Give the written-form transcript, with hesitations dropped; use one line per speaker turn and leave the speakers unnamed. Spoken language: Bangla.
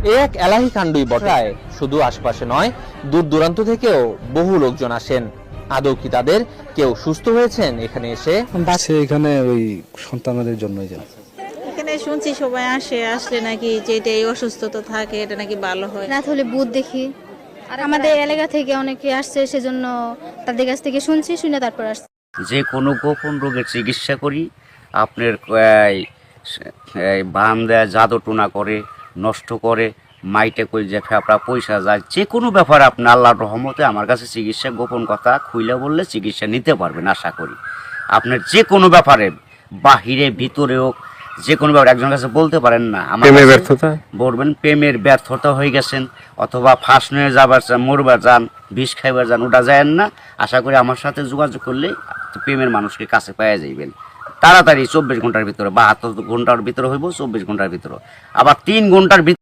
এক এলাহি কাণ্ডই বটে। শুধু আশপাশে নয়, দূর দূরান্ত থেকেও বহু লোকজন আসেন। আদৌ কি তাদের কেউ সুস্থ হয়েছেন এখানে এসে?
এখানে ওই সন্তানদের জন্যই যায়।
এখানে শুনছি সবাই আসলে নাকি যেটা এই অসুস্থতা থাকে এটা নাকি ভালো হয়।
রাত হলে ভূত দেখি। আর আমাদের এলাকা থেকে অনেকে আসছে, সেজন্য তাদের কাছ থেকে শুনে তারপর আসছে।
যে কোনো গোপন রোগের চিকিৎসা করি। আপনার বান দেয়, জাদু টোনা করে, নষ্ট করে, মাইটে কই যে ফেপড়া পয়সা যায়, যে কোনো ব্যাপারে আপনি আল্লাহর রহমতে আমার কাছে চিকিৎসা, গোপন কথা খুইলে বললে চিকিৎসা নিতে পারবেন আশা করি। আপনার যে কোনো ব্যাপারে, বাহিরে ভিতরেও যে কোনো ব্যাপারে একজনের কাছে বলতে পারেন না আমার ব্যর্থতা বলবেন প্রেমের ব্যর্থতা হয়ে গেছেন, অথবা ফাঁস নিয়ে যাবার চান, মরবার যান, বিষ খাইবার যান, ওটা যায় না। আশা করি আমার সাথে যোগাযোগ করলে প্রেমের মানুষকে কাছে পাওয়া যাইবেন তাড়াতাড়ি। 24 ঘন্টার ভিতরে, 72 ঘন্টার ভিতরে হইব, 24 ঘন্টার ভিতরে, আবার 3 ঘন্টার ভিতরে।